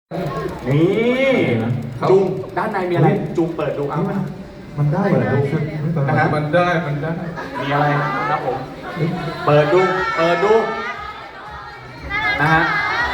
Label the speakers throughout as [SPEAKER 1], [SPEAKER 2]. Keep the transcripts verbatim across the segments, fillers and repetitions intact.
[SPEAKER 1] นี่จุงด้านในมีอะไรจุงเปิดดูเอา
[SPEAKER 2] มันมันได้เหรอนะฮะมันได้มันได้
[SPEAKER 1] มีอะไรครับผมเปิดดูเปิดดูนะฮะ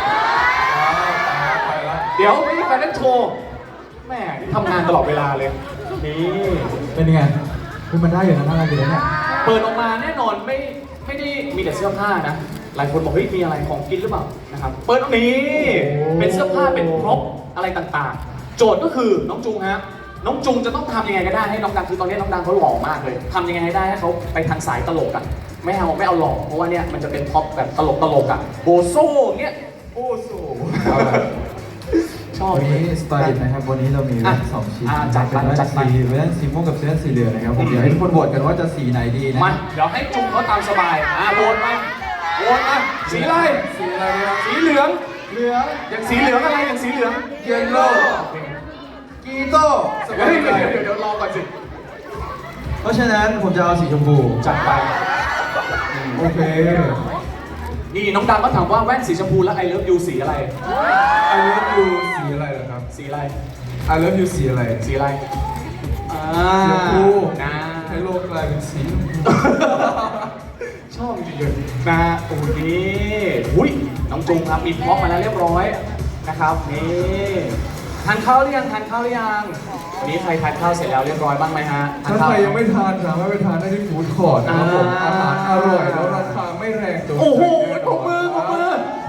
[SPEAKER 1] เดี๋ยวไม่ใช่แฟนโชว์แม่ทำงานตลอดเวลาเลยนี่
[SPEAKER 2] เป็นยังไงคือมันได้อยู่นะน่ารักอยู่นะเนี่ย
[SPEAKER 1] เปิดออกมาแน่นอนไม่ไม่ได้มีแต่เสื้อผ้านะหลายคนบอกเฮ้ยมีอะไรของกินหรือเปล่านะครับเปิดตรงนี้เป็นเสื้อผ้าเป็นพร็อพอะไรต่างๆโจทย์ก็คือน้องจุงฮะน้องจุงจะต้องทำยังไงก็ได้ให้น้องดังคือตอนนี้น้องดังเขาหล่อมากเลยทำยังไงให้ได้ให้เขาไปทางสายตลกอ่ะไม่เอาไม่เอาหล่อเพราะว่าเนี่ยมันจะเป็นพ็อปแบบตลกตลกอ่ะโบโซ่เงี้ยโบโซ่ชอบ
[SPEAKER 2] วันนี้สไตล์นะครับวันนี้เรามีแว่นสองชิ้น
[SPEAKER 1] อ่ะจัด
[SPEAKER 2] เป็น
[SPEAKER 1] ไป
[SPEAKER 2] แว่น
[SPEAKER 1] จัดไป
[SPEAKER 2] สีแว่นสีม่วงกับแว่นสีเหลืองนะครับผมเดี๋ยวให้ทุกคนโหวตกันว่าจะสีไหนดีนะ
[SPEAKER 1] มาเดี๋ยวให้จุงเขาตามสบายอ่ะโหวตมาโหวตมาสีอะไร
[SPEAKER 2] สีอะไรครับ
[SPEAKER 1] สีเหลือง
[SPEAKER 2] เหลือง
[SPEAKER 1] อย่างสีเหลืองอะไรอย่างสีเหลือง
[SPEAKER 2] เยลโล่กีโต้ส
[SPEAKER 1] เฮ้
[SPEAKER 2] บาย ย
[SPEAKER 1] เดี๋ยวเดี๋ยวเดี๋ยวรอก่อนสิ
[SPEAKER 2] เพราะฉะนั้นผมจะเอาสีชมพู
[SPEAKER 1] จัดไป
[SPEAKER 2] โอเค
[SPEAKER 1] นี่น้องดังก็ถามว่าแว่นสีชมพูแล้วไอเลิฟยูสีอะไร
[SPEAKER 2] I love you สีอะไรเหรอครับ
[SPEAKER 1] สีอะไร
[SPEAKER 2] I love you สีอะไร
[SPEAKER 1] สีอะไรอ่า
[SPEAKER 2] สีชมพู
[SPEAKER 1] นะ
[SPEAKER 2] ให้โลกกลายเป็นสีชมพู
[SPEAKER 1] ชอบจริงๆนะโอ้โหนี่อุ้ยน้องจุงครับมีพร็อพมาแล้วเรียบร้อยนะครับนี่ทานข้าวหรือยังทานข้าวหรือยังวันนี้ใครทานข้าวเสร็จแล้วเรียบร้อยบ้างไหมฮะทาน
[SPEAKER 2] ถ้า
[SPEAKER 1] ข้าว
[SPEAKER 2] ใครยังไม่ทานสามารถไปทานได้ที่ฟู้ดคอร์ทนะครับผม
[SPEAKER 1] อ่า
[SPEAKER 2] อาหารอร่อยแล้วราคาไม่แรงตัว
[SPEAKER 1] โอ้โหปรบมือปรบมือ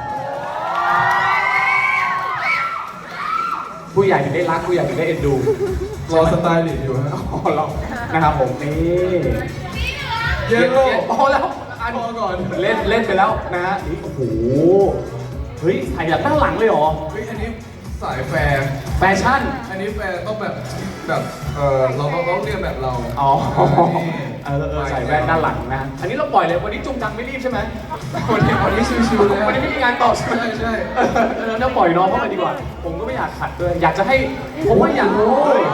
[SPEAKER 1] ผู้ใหญ่ถึงได้รักผู้ใหญ่ถึงได้เอ็นดู
[SPEAKER 2] รอสไตล์ลิสต์อยู่ฮะ
[SPEAKER 1] อ๋อเรานะครับผมนี่
[SPEAKER 2] เยลโล่
[SPEAKER 1] พอแล้วอัน
[SPEAKER 2] พอก่อน
[SPEAKER 1] เล่นเล่นไปแล้วนะฮะนี่โอ้โหเฮ้ยถ่ายจากด้านหลังเลยเหรอ
[SPEAKER 2] เฮ้ยอันนี้สายแฟร์
[SPEAKER 1] แฟชั่น
[SPEAKER 2] อันนี้แฟร์ต้องแบบแบบเออเราต้องต้องเรียนแบบเรา
[SPEAKER 1] อ๋อ
[SPEAKER 2] นี่
[SPEAKER 1] เออเออใส่แว่นด้านหลังนะอันนี้เราปล่อยเลยวันนี้จุงดังไม่รีบใช่ไหม
[SPEAKER 2] วันนี้วันนี้ชิวๆเลย
[SPEAKER 1] วันนี้ไม่มีงานต่อใช่ไหม
[SPEAKER 2] ใช่ใช่
[SPEAKER 1] เออเออเราปล่อยน้องเข้ามาดีกว่า ผมก็ไม่อยากขัดด้วยอยากจะให้ผมว่าอยากเฮ้ย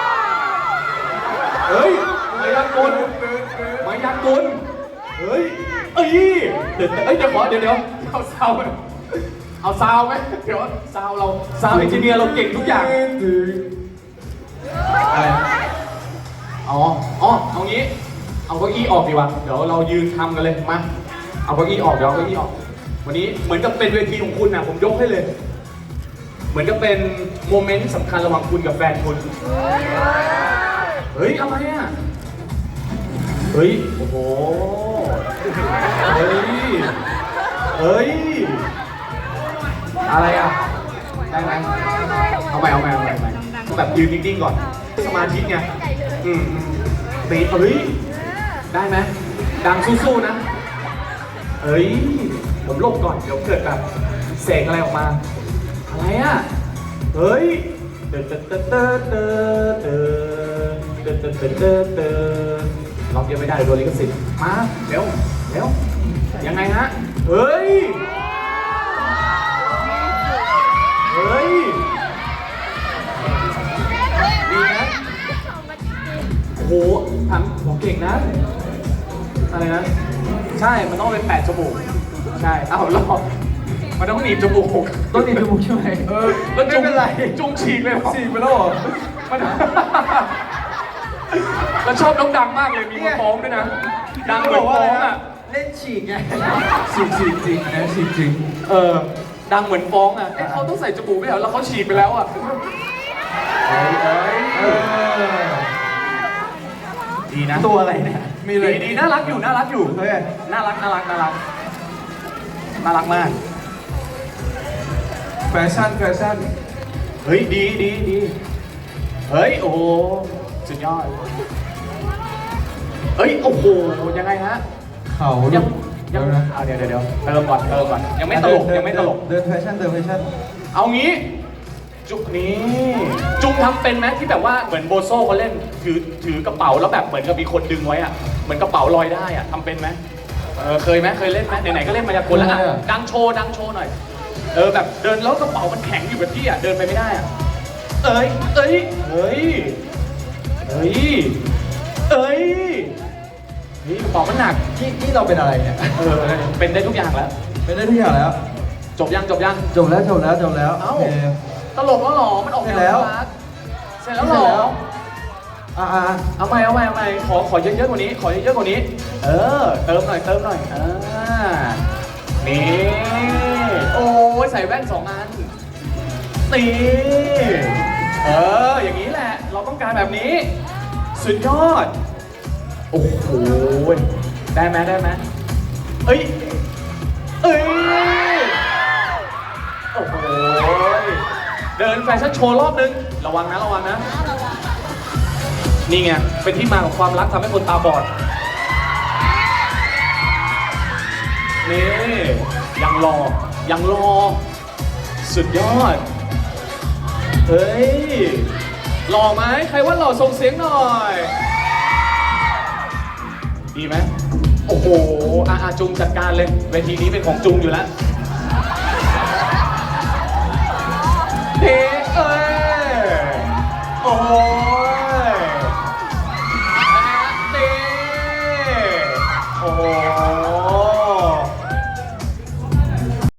[SPEAKER 1] เฮ้ยมายากลมายากลเฮ้ยเอ้ยเดี๋ยวเอ้ยเดี๋ยวขอเดี๋ยวเดี๋ยวเอาซาวไหมเอาซาวไหมเดี๋ยวซาวเราซาวเอนจิเนียร์เราเก่งทุกอย่าง อะไรอ๋ออ๋อเอางี้ เอาเก้าอี้ออกดีกว่า เดี๋ยวเรายืนทำกันเลย มา เอาเก้าอี้ออก เดี๋ยวเอาเก้าอี้ออก วันนี้เหมือนกับเป็นเวทีของคุณนะผมยกให้เลย เหมือนกับเป็นโมเมนต์สำคัญระหว่างคุณกับแฟนคุณ เฮ้ยอะไรอ่ะ เฮ้ย โอ้โห เฮ้ย เฮ้ย อะไรอ่ะ ได้ไหมเอาไปเอาไปเอาไปเอาไปต้องแบบยืนนิ่งๆก่อน สมาธิไง อืมอืมตีเฮ้ย ได้ไหมดังสู้ๆนะ เฮ้ย ผมหลบก่อน เดี๋ยวเกิดแบบเสกอะไรออกมา อะไรอ่ะ เฮ้ยเตอเตอเตอเตอเตอเตอเตอเตอเตอเตอเตอล็อกยังไม่ได้โดนลิขสิทธิ์มาเร็วเร็วยังไงฮะ เฮ้ย เฮ้ย ดีนะ โอ้โหถามผมเก่งนะ อะไรนะ ใช่ มันต้องเป็นแปดจมูก ใช่ เอ้ารอมันต้องหนีบจมูก
[SPEAKER 2] ต้องตีจมูกใช่ไหมเออ
[SPEAKER 1] แล้ว
[SPEAKER 2] ไม่
[SPEAKER 1] จุง
[SPEAKER 2] เป็นไร
[SPEAKER 1] จุงฉีกเลยเหรอ
[SPEAKER 2] สี่ไปแล้วเหรอ
[SPEAKER 1] มันแล้วชอบน้องดังมากเลย มีคนฟ้องด้วยนะ ดังเหมือนฟ้องอ่ะ
[SPEAKER 2] เล่นฉีกไงฉีกฉีกจริงนะฉีกจริง
[SPEAKER 1] เออ ดังเหมือนฟ้องอ่ะ เอ๊ะเขาต้องใส่จมูกไม่เหรอแล้วเขาฉีกไปแล้วอ่ะ เฮ้ยเฮ้ย
[SPEAKER 2] เออ
[SPEAKER 1] ดีนะ
[SPEAKER 2] ตัวอะไรเนี่ยมีอะไร
[SPEAKER 1] ดีดีน่ารักอยู่ น่ารักอยู่
[SPEAKER 2] เฮ้ย
[SPEAKER 1] น่ารัก น่ารัก น่ารัก น่ารักมาก
[SPEAKER 2] แฟชั่นแฟชั่น
[SPEAKER 1] เฮ้ย ดีดีดีเฮ้ย โอ้โห สุดยอด เฮ้ย โอ้โห ยังไงฮะ
[SPEAKER 2] เขา
[SPEAKER 1] ยัง
[SPEAKER 2] เดี๋
[SPEAKER 1] ยั
[SPEAKER 2] ยว
[SPEAKER 1] ง
[SPEAKER 2] นะ
[SPEAKER 1] อ่ะเดี๋ยวเดี๋ยวเดี๋ยวเติมก่อนเติมก่อน ยังไม่ตลก ยังไม่ตลก
[SPEAKER 2] เดินแฟชั่นเดินแฟชั่น
[SPEAKER 1] เอางี้ จุกนี้ จุงทำเป็นไหมที่แบบว่าเหมือนโบโซ่เขาเล่น ถือถือกระเป๋าแล้วแบบเหมือนกับมีคนดึงไว้อะเหมือนกระเป๋าลอยได้อะทำเป็นไหมเออเคยไหมเคยเล่นไหมไหนๆก็เล่นมายากลแล้วอะดังโชว์ดังโชว์หน่อย เออแบบเดินแล้วกระเป๋ามันแข็งอยู่กับที่อะเดินไปไม่ได้อะเอ้ยเอ้ยเอ้ยเอ้ยเอ้ยนี่กระเป๋ามันหนัก
[SPEAKER 2] ที่ที่เราเป็นอะไรเนี่ย
[SPEAKER 1] เออเป็นได้ทุกอย่างแล้ว
[SPEAKER 2] เป็นได้ทุกอย่างแล้ว
[SPEAKER 1] จบยังจบยัง
[SPEAKER 2] จบแล้วจบแล้วจบแล้ว
[SPEAKER 1] เอ้า
[SPEAKER 2] โอเค
[SPEAKER 1] ลกแล้วเหรอมันออก
[SPEAKER 2] เสร็จแล้ว
[SPEAKER 1] น่ารักเสร็จแล้วเหรอ
[SPEAKER 2] อ่าอ่า
[SPEAKER 1] เอาใหม่เอาใหม่เอาใหม่ขอขอเยอะๆกว่านี้ ขอเยอะๆกว่านี้ เออ เติมหน่อยเติมหน่อยอ่านี่โอ้ยใส่แว่นสองอันนี่เอออย่างนี้แหละ เราต้องการแบบนี้ สุดยอด โอ้โหได้ไหมได้ไหมเอ้ยเอ้ยโอ้โหเดินแฟชั่นโชว์รอบนึงระวังนะระวังนะ นี่ไง เป็นที่มาของความรักทำให้คนตาบอด นี่ ยังรอ ยังรอ สุดยอด เฮ้ย หล่อไหม ใครว่าหล่อส่งเสียงหน่อย ดีไหม โอ้โหอาอาจุงจัดการเลย เวทีนี้เป็นของจุงอยู่แล้ว เฮ้